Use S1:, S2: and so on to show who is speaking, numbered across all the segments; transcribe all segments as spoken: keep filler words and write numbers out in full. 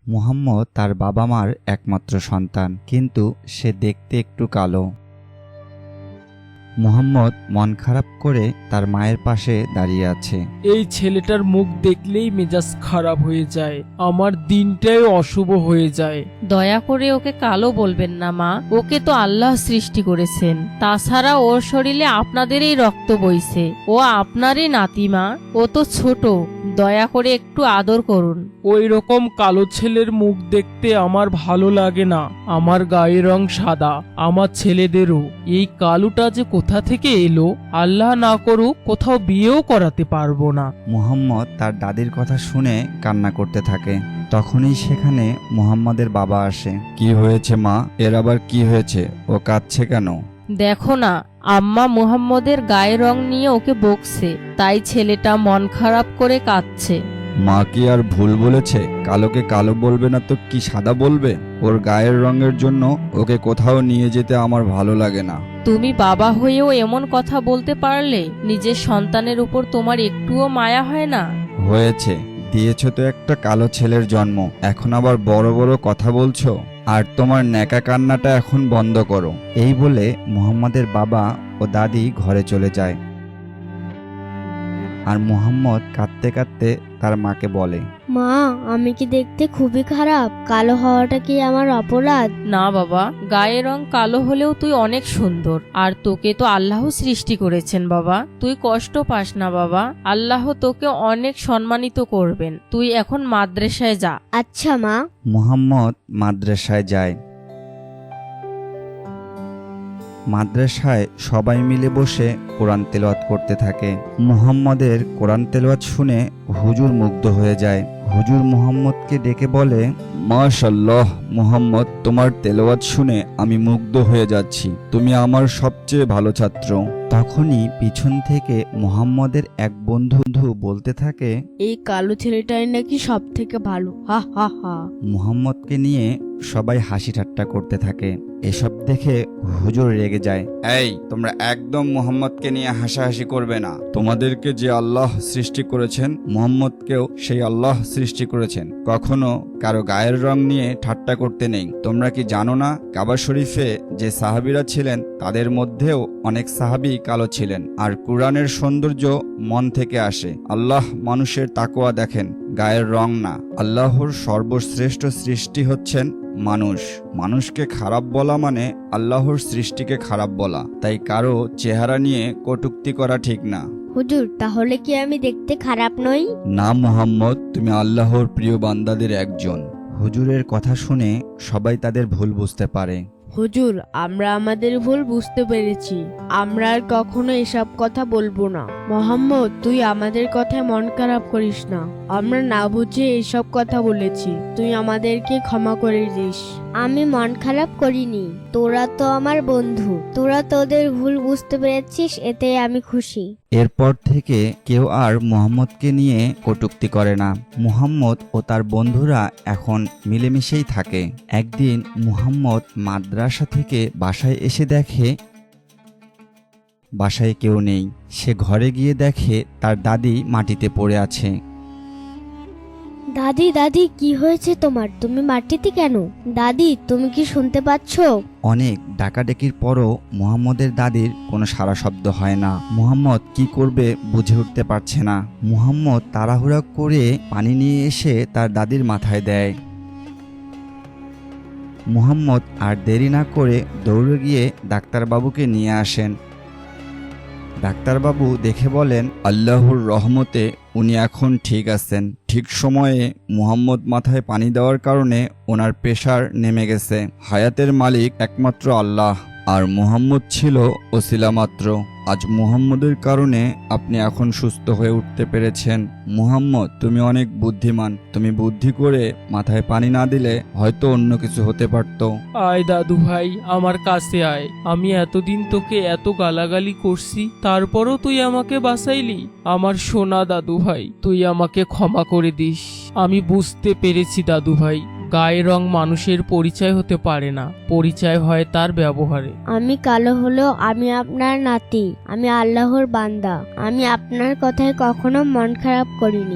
S1: মুহাম্মদ তার বাবা মার একমাত্র সন্তান, কিন্তু সে দেখতে একটু কালো। মুহাম্মদ মন খারাপ করে তার মায়ের পাশে দাঁড়িয়ে আছে।
S2: এই ছেলেটার মুখ দেখলেই মেজাজ খারাপ হয়ে যায়, আমার দিনটাই অশুভ হয়ে যায়।
S3: দয়া করে ওকে কালো বলবেন না মা, ওকে তো আল্লাহ সৃষ্টি করেছেন। তাছাড়া ওর শরীরে আপনাদেরই রক্ত বইছে, ও আপনারই নাতি মা, ও তো ছোট, দয়া করে একটু আদর করুন।
S2: ওই রকম কালো ছেলের মুখ দেখতে আমার ভালো লাগে না। আমার গায়ের রং সাদা, আমার ছেলেদেরও। এই কালোটা যে কোথা থেকে এলো, আল্লাহ না করুক কোথাও বিয়েও করাতে পারবো না।
S1: মুহাম্মদ তার দাদির কথা শুনে কান্না করতে থাকে। তখনই সেখানে মুহাম্মদের বাবা আসে। কি হয়েছে মা, এর আবার কি হয়েছে, ও কাঁদছে কেন?
S3: দেখো না, আম্মা মুহাম্মদের গায়ের রং নিয়ে ওকে বকছে, তাই ছেলেটা মন খারাপ করে কাঁদছে।
S1: মা কি আর ভুল বলেছে? কালোকে কালো বলবে না তো কি সাদা বলবে? ওর গায়ের রঙের জন্য ওকে কোথাও নিয়ে যেতে আমার ভালো লাগে না।
S3: তুমি বাবা হয়েও এমন কথা বলতে পারলে? নিজের সন্তানের উপর তোমার একটুও মায়া হয় না?
S1: হয়েছে, দিয়েছ তো একটা কালো ছেলের জন্ম, এখন আবার বড় বড় কথা বলছো। আর তোমার ন্যাকা কান্নাটা এখন বন্ধ করো। এই বলে মুহাম্মদের বাবা ও দাদি ঘরে চলে যায়। আর মুহাম্মদ কাঁদতে কাঁদতে তার মাকে বলে,
S4: মা, আমি কি দেখতে খুবই খারাপ? কালো হওয়াটা কি আমার অপরাধ?
S3: না বাবা, গায়ের রং কালো হলেও তুই অনেক সুন্দর, আর তোকে তো আল্লাহ সৃষ্টি করেছেন বাবা। তুই কষ্ট পাস না বাবা, আল্লাহ তোকে অনেক সম্মানিত করবেন। তুই এখন মাদ্রাসায় যা।
S4: আচ্ছা মা।
S1: মুহাম্মদ মাদ্রাসায় যায়। মাদ্রাসায় সবাই মিলে বসে কোরআন তেলাওয়াত করতে থাকে। মুহাম্মদের কোরআন তেলাওয়াত শুনে হুজুর মুগ্ধ হয়ে যায়। হুজুর মুহাম্মদকে ডেকে বলে, মাশাআল্লাহ মুহাম্মদ, তোমার তেলাওয়াত শুনে আমি মুগ্ধ হয়ে যাচ্ছি, তুমি আমার সবচেয়ে ভালো ছাত্র। তখনই পিছন থেকে মুহাম্মদের এক বন্ধু বলতে থাকে,
S4: এই কালো ছেলেটাই নাকি সব থেকে ভালো, হা হা হা।
S1: মুহাম্মদকে নিয়ে সবাই হাসি ঠাট্টা করতে থাকে। এসব দেখে হুজুর রেগে যায়। এই, তোমরা একদম মুহাম্মদকে নিয়ে হাসাহাসি করবে না। তোমাদেরকে যে আল্লাহ সৃষ্টি করেছেন, মুহাম্মদকেও সেই আল্লাহ সৃষ্টি করেছেন। কখনো কারো গায়ের রং নিয়ে ঠাট্টা করতে নেই। তোমরা কি জানো না, কাবা শরীফে যে সাহাবীরা ছিলেন তাদের মধ্যেও অনেক সাহাবী কালো ছিলেন। আর কুরআনের সৌন্দর্য মন থেকে আসে। আল্লাহ মানুষের তাকওয়া দেখেন, গায়ের রং না। আল্লাহর সর্বশ্রেষ্ঠ সৃষ্টি হচ্ছেন মানুষ। মানুষকে খারাপ বলা মানে আল্লাহর সৃষ্টিকে খারাপ বলা। তাই কারো চেহারা নিয়ে কটূক্তি করা ঠিক না।
S4: হুজুর, তাহলে কি আমি দেখতে খারাপ নই?
S1: না মুহাম্মদ, তুমি আল্লাহর প্রিয় বান্দাদের একজন। হুজুরের কথা শুনে সবাই তাদের ভুল বুঝতে পারে।
S4: হুজুর, আমরা আমাদের ভুল বুঝতে পেরেছি, আমরা আর কখনো এসব কথা বলবো না। মোহাম্মদ, তুই আমাদের কথায় মন খারাপ করিস না, আমরা না বুঝে এসব কথা বলেছি, তুই আমাদেরকে ক্ষমা করে দিস। আমি মন খারাপ করিনি, তোরা তো আমার বন্ধু, তোরা তোদের ভুল বুঝতে পেরেছিস, এতে আমি খুশি।
S1: এরপর থেকে কেউ আর মুহাম্মদকে নিয়ে কটূক্তি করে না। মুহাম্মদ ও তার বন্ধুরা এখন মিলেমিশেই থাকে। একদিন মুহাম্মদ মাদ্রাসা থেকে বাসায় এসে দেখে বাসায় কেউ নেই। সে ঘরে গিয়ে দেখে তার দাদি মাটিতে পড়ে আছে।
S4: দাদি, দাদি, কি হয়েছে তোমার? তুমি মাটিতে কেন? দাদি, তুমি কি শুনতে পাচ্ছ?
S1: অনেক ডাকাডাকির পরও মুহাম্মদের দাদির কোনো সাড়া শব্দ হয় না। মুহাম্মদ কি করবে বুঝে উঠতে পারছে না। মুহাম্মদ তাড়াহুড়া করে পানি নিয়ে এসে তার দাদির মাথায় দেয়। মুহাম্মদ আর দেরি না করে দৌড়ে গিয়ে ডাক্তারবাবুকে নিয়ে আসেন। ডাক্তারবাবু দেখে বলেন, আল্লাহর রহমতে উনি এখন ঠিক আছেন। ঠিক সময়ে মুহাম্মদ মাথায় পানি দেওয়ার কারণে ওনার প্রেসার নেমে গেছে। হায়াতের মালিক একমাত্র আল্লাহ, আর মুহাম্মদ ছিল ওসিলা মাত্র। আজ মুহাম্মদের কারণে আপনি এখন সুস্থ হয়ে উঠতে পেরেছেন। মুহাম্মদ, তুমি অনেক বুদ্ধিমান। তুমি বুদ্ধি করে মাথায় পানি না দিলে হয়তো অন্য কিছু হতে পারত।
S2: আয় দাদু ভাই, আমার কাছে আয়। আমি এতদিন তোকে এত গালাগালি করছি, তারপরও তুই আমাকে বাঁচাইলি। আমার সোনা দাদু ভাই, তুই আমাকে ক্ষমা করে দিস। আমি বুঝতে পেরেছি দাদু ভাই, গায়ের রং মানুষের পরিচয় হতে পারে না, পরিচয় হয় তার ব্যবহারে।
S4: আমি কালো হলেও আমি আপনার নাতি, আমি আল্লাহর বান্দা, আমি আপনার কথায় কখনো মন খারাপ করিনি।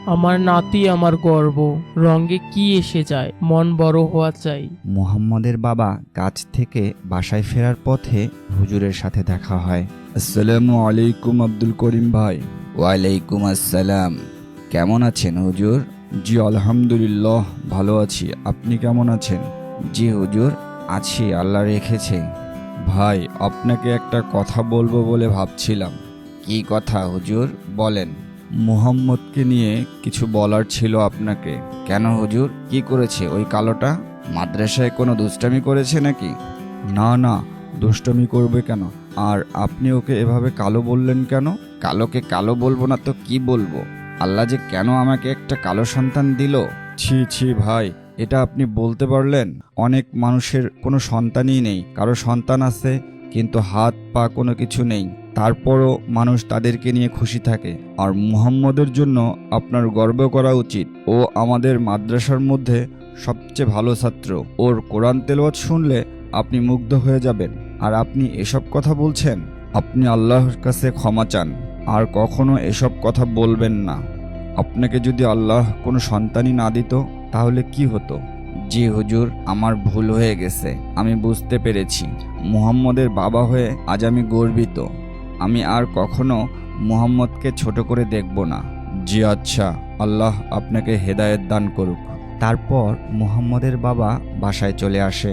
S2: আমার নাতি আমার গর্ব, রঙে কি এসে যায়, মন বড় হওয়া চাই।
S1: মুহাম্মদের বাবা কাজ থেকে বাসায় ফেরার পথে হুজুরের সাথে দেখা হয়। আসসালামু আলাইকুম আব্দুল করিম ভাই। ওয়ালাইকুম আসসালাম। কেমন আছেন হুজুর? জি আলহামদুলিল্লাহ ভালো আছি, আপনি কেমন আছেন? জি হুজুর, আছি, আল্লাহ রেখেছে। ভাই, আপনাকে একটা কথা বলবো বলে ভাবছিলাম। কি কথা হুজুর, বলেন। মুহাম্মদকে নিয়ে কিছু বলার ছিল আপনাকে। কেন হুজুর, কি করেছে ওই কালোটা? মাদ্রাসায় কোনো দুষ্টামি করেছে নাকি? না না, দুষ্টামি করবে কেন? আর আপনি ওকে এভাবে কালো বললেন কেন? কালোকে কালো বলবো না তো কি বলবো? আল্লাহ যে কেন আমাকে একটা কালো সন্তান দিল। ছি ছি ভাই, এটা আপনি বলতে পারলেন? অনেক মানুষের কোনো সন্তানই নেই, কারো সন্তান আছে কিন্তু হাত পা কোনো কিছু নেই, তারপরও মানুষ তাদেরকে নিয়ে খুশি থাকে। আর মুহাম্মদের জন্য আপনার গর্ব করা উচিত। ও আমাদের মাদ্রাসার মধ্যে সবচেয়ে ভালো ছাত্র। ওর কোরআন তেলাওয়াত শুনলে আপনি মুগ্ধ হয়ে যাবেন। আর আপনি এসব কথা বলছেন? আপনি আল্লাহর কাছে ক্ষমা চান, আর কখনো এসব কথা বলবেন না। আপনাকে যদি আল্লাহ কোনো সন্তানই না দিত তাহলে কি হতো? জি হুজুর, আমার ভুল হয়ে গেছে, আমি বুঝতে পেরেছি। মুহাম্মদের বাবা হয়ে আজ আমি গর্বিত। আমি আর কখনো মুহাম্মদকে ছোট করে দেখব না। জি আচ্ছা, আল্লাহ আপনাকে হেদায়েত দান করুক। তারপর মুহাম্মদের বাবা বাসায় চলে আসে।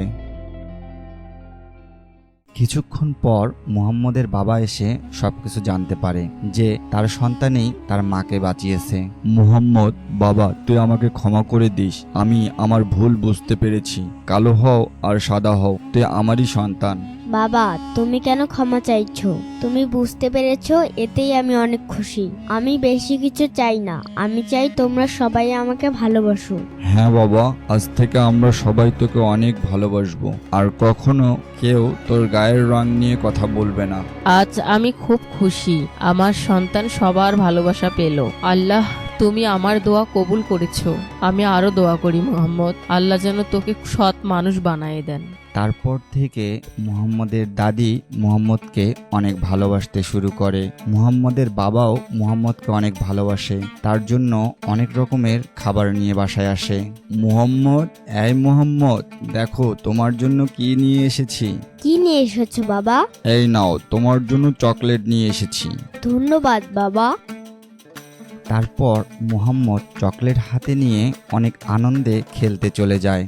S1: কিছুক্ষণ পর মুহাম্মদের বাবা এসে সবকিছু জানতে পারে যে তার সন্তানই তার মাকে বাঁচিয়েছে। মুহাম্মদ, বাবা তুই আমাকে ক্ষমা করে দিস, আমি আমার ভুল বুঝতে পেরেছি। কালো হও আর সাদা হও, তুই আমারই সন্তান।
S5: বাবা, তুমি কেন ক্ষমা চাইছো? তুমি বুঝতে পেরেছো, এতেই আমি অনেক খুশি। আমি বেশি কিছু চাই না, আমি চাই তোমরা সবাই আমাকে ভালোবাসো।
S1: হ্যাঁ বাবা, আজ থেকে আমরা সবাই তোকে অনেক ভালোবাসবো, আর কখনো কেউ তোর গায়ের রং নিয়ে কথা বলবে না।
S3: আজ আমি খুব খুশি, আমার সন্তান সবার ভালোবাসা পেল। আল্লাহ, তুমি আমার দোয়া কবুল করেছো। আমি আরো দোয়া করি মুহাম্মদ, আল্লাহ যেন তোকে সৎ মানুষ বানিয়ে দেন।
S1: তারপর থেকে মুহাম্মদের দাদি মুহাম্মদকে অনেক ভালোবাসতে শুরু করে। মুহাম্মদের বাবাও মুহাম্মদকে অনেক ভালোবাসে, তার জন্য অনেক রকমের খাবার নিয়ে বাসায় আসে। মুহাম্মদ, এই মুহাম্মদ, দেখো তোমার জন্য কি নিয়ে এসেছি।
S5: কি নিয়ে এসেছো বাবা?
S1: এই নাও, তোমার জন্য চকলেট নিয়ে এসেছি।
S5: ধন্যবাদ বাবা।
S1: তারপর মুহাম্মদ চকলেট হাতে নিয়ে অনেক আনন্দে খেলতে চলে যায়।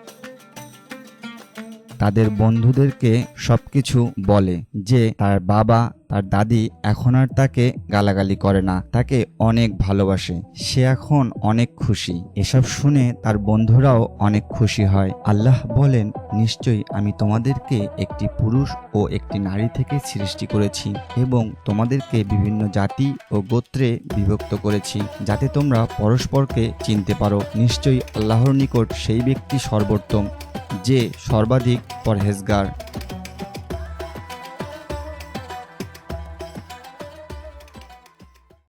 S1: তাদের বন্ধুদেরকে সবকিছু বলে যে তার বাবা তার দাদি এখন আর তাকে গালাগালি করে না, তাকে অনেক ভালোবাসে, সে এখন অনেক খুশি। এসব শুনে তার বন্ধুরাও অনেক খুশি হয়। আল্লাহ বলেন, নিশ্চয়ই আমি তোমাদেরকে একটি পুরুষ ও একটি নারী থেকে সৃষ্টি করেছি এবং তোমাদেরকে বিভিন্ন জাতি ও গোত্রে বিভক্ত করেছি, যাতে তোমরা পরস্পরকে চিনতে পারো। নিশ্চয়ই আল্লাহর নিকট সেই ব্যক্তি সর্বোত্তম, যে সর্বাধিক পরহেজগার।